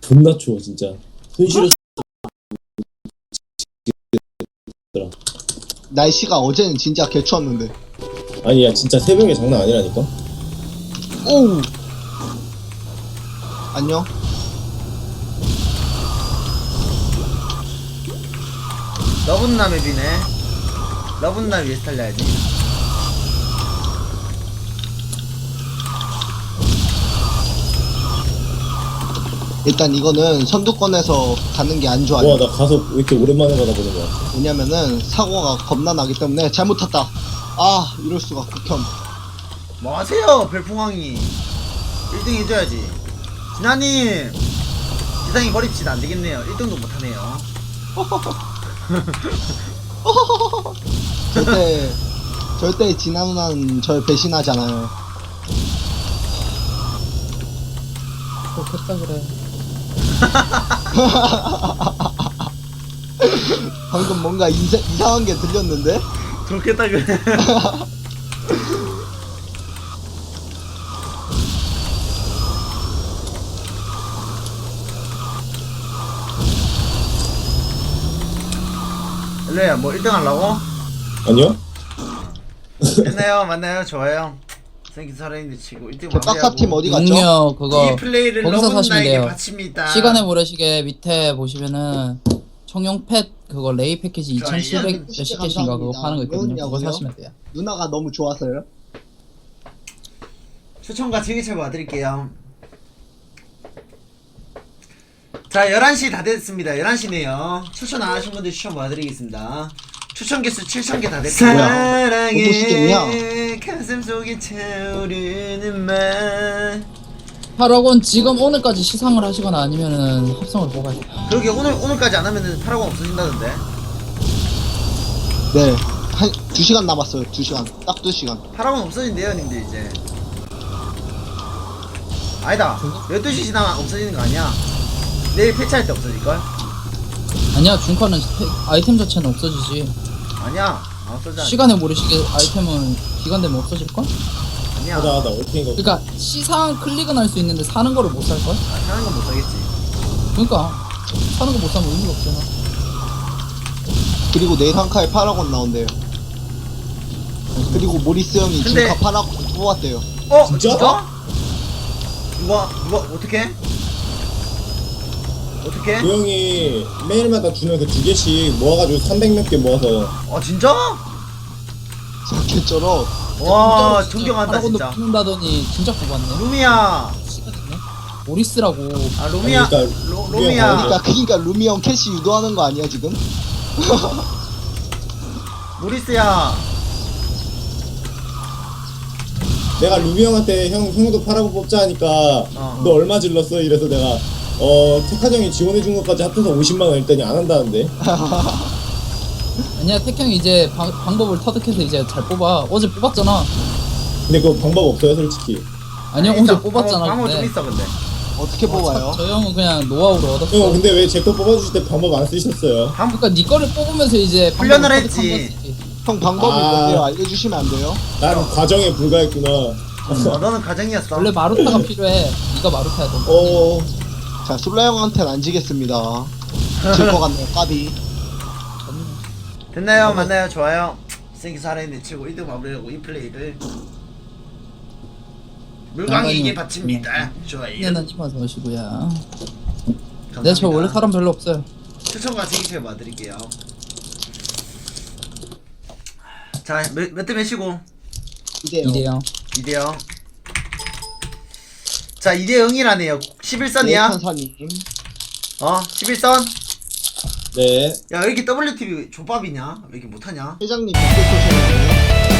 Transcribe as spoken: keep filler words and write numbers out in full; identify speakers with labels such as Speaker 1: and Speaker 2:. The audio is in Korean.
Speaker 1: 존나 추워 진짜. 손 시려.
Speaker 2: 날씨가 어제는 진짜 개추웠는데.
Speaker 1: 아니야 진짜 새벽에 장난 아니라니까.
Speaker 2: 오우. 안녕.
Speaker 3: 러분나 맵이네. 러분나 위에서 달려야지.
Speaker 2: 일단 이거는 선두권에서 가는 게 안 좋아요.
Speaker 1: 와 나 가서 왜 이렇게 오랜만에 받아보는 거야.
Speaker 2: 왜냐면은 사고가 겁나 나기 때문에. 잘못 탔다. 아 이럴 수가. 극혐.
Speaker 3: 뭐 하세요 별풍왕이. 일 등 해줘야지. 진아님 지상이 버립시다. 안되겠네요. 일 등도 못하네요.
Speaker 2: 절대 절대 진아 누나는 절 배신하잖아요.
Speaker 4: 좋겠다 그래.
Speaker 2: 방금 뭔가 이사, 이상한 게 들렸는데?
Speaker 3: 그렇겠다 그래. 일로야 뭐 일 등 하려고?
Speaker 1: 아니요?
Speaker 3: 됐나요? 맞나요? 좋아요. 생긴 살아있는데 치고 일 등
Speaker 2: 저 딱사팀 어디 갔죠?
Speaker 4: 능력 그거
Speaker 3: 이 플레이를
Speaker 4: 거기서 사시면
Speaker 3: 러분나에게
Speaker 4: 돼요.
Speaker 3: 바칩니다.
Speaker 4: 시간의 모래시계 밑에 보시면은 청룡 펫 그거 레이 패키지 이천칠백 몇십 개씩인가 그거 파는 거 있거든요. 그거
Speaker 2: 뭐냐고요?
Speaker 4: 사시면 돼요.
Speaker 2: 누나가 너무 좋아서요?
Speaker 3: 추천과 즐기채 봐드릴게요. 자 열한 시 다 됐습니다. 열한 시네요 추천 안 하신 분들 추천 봐드리겠습니다. 추천 개수 칠천 개 다 됐고요. 사랑해 가슴 속에 차오르는 말.
Speaker 4: 팔억 원 지금 오늘까지 시상을 하시거나 아니면은 합성을 뽑아야 돼요.
Speaker 3: 그러게 오늘, 오늘까지 안 하면은 팔억 원 없어진다던데.
Speaker 2: 네. 한 두 시간 남았어요. 두 시간. 딱 두 시간.
Speaker 3: 팔억 원 없어진대요 님들 이제. 아니다 열두 시 지나면 없어지는 거 아니야. 내일 패치할 때 없어질걸?
Speaker 4: 아니야 중카는 태- 아이템 자체는 없어지지.
Speaker 3: 아니야 안 없어져.
Speaker 4: 시간의 모래시계 아이템은 기간 되면 없어질걸?
Speaker 3: 아니야.
Speaker 1: 하다 하다 얼탱이가.
Speaker 4: 그러니까 시상 클릭은 할 수 있는데 사는 거를 못 살걸?
Speaker 3: 아, 사는 건 못 사겠지.
Speaker 4: 그러니까 사는 거 못 사면 의미가 없잖아.
Speaker 2: 그리고 내일 한 카에 팔억 원 나온대요. 그리고 모리스 형이
Speaker 3: 근데-
Speaker 2: 지금 팔억 원 뽑았대요.
Speaker 3: 어?
Speaker 1: 진짜?
Speaker 3: 누가? 누가? 어떻게? 어떻게?
Speaker 1: 그 형이 매일마다 주는 그 두 개씩 모아가지고 삼백 몇 개 모아서.
Speaker 3: 아 진짜?
Speaker 2: 개쩔어.
Speaker 3: 와
Speaker 4: 진짜
Speaker 3: 존경한다
Speaker 4: 팔억 원도
Speaker 3: 진짜.
Speaker 4: 뽑는다더니 진짜 뽑았네.
Speaker 3: 루미야.
Speaker 4: 모리스라고.
Speaker 3: 아 루미야.
Speaker 1: 그러니까
Speaker 3: 로,
Speaker 1: 루미야.
Speaker 3: 루미야.
Speaker 2: 그러니까 그니까 루미 형 캐시 유도하는 거 아니야 지금?
Speaker 3: 모리스야.
Speaker 1: 내가 루미 형한테 형 형도 팔아고 뽑자 하니까
Speaker 3: 어.
Speaker 1: 너 얼마 질렀어? 이래서 내가 어 택한 형이 지원해준 것까지 합해서 오십만 원 했더니 안 한다는데.
Speaker 4: 아니야 택형이 이제 방, 방법을 터득해서 이제 잘 뽑아. 어제 뽑았잖아.
Speaker 1: 근데 그거 방법 없어요 솔직히.
Speaker 4: 아니야
Speaker 3: 아니,
Speaker 4: 어제
Speaker 3: 일단
Speaker 4: 뽑았잖아.
Speaker 3: 방법 좀
Speaker 4: 근데.
Speaker 3: 있어 근데.
Speaker 2: 어떻게 뽑아요?
Speaker 4: 저 형은 그냥 노하우로 얻었어.
Speaker 1: 형 근데 왜 제 거 뽑아주실 때 방법 안 쓰셨어요?
Speaker 4: 그러니까 네 거를 뽑으면서 이제
Speaker 3: 훈련을
Speaker 4: 방법을
Speaker 3: 했지.
Speaker 4: 터득한 거지.
Speaker 2: 형 방법이
Speaker 1: 아.
Speaker 2: 뭔데요? 알려주시면 안 돼요?
Speaker 1: 난 과정에 불과했구나.
Speaker 3: 어, 너는 가정이었어.
Speaker 4: 원래 마루타가 필요해. 네가 마루타야 돼.
Speaker 1: 어
Speaker 2: 자 솔라 형한테는 안 지겠습니다. 질 것 같네요. 까비.
Speaker 3: 됐나요? 맞나요? 좋아요. 생기 살아있는 치고 일 등 마무리하고 이 플레이를 물광이에게 바칩니다. 좋아요.
Speaker 4: 얘는 이만 넣으시고요.
Speaker 3: 감사합니다.
Speaker 4: 네, 저 원래 사람 별로 없어요.
Speaker 3: 추천과 재기표 봐드릴게요. 자, 몇, 몇 대 몇이고?
Speaker 2: 이제요.
Speaker 4: 이래요.
Speaker 3: 이 대 영. 자, 이 대 영이라네요. 십일 선이야?
Speaker 2: 천사님.
Speaker 3: 어? 십일 선?
Speaker 1: 네.
Speaker 3: 야, 왜 이렇게 더블유티비 족밥이냐? 왜 이렇게 못하냐?
Speaker 2: 회장님 빅대 소셜이네요.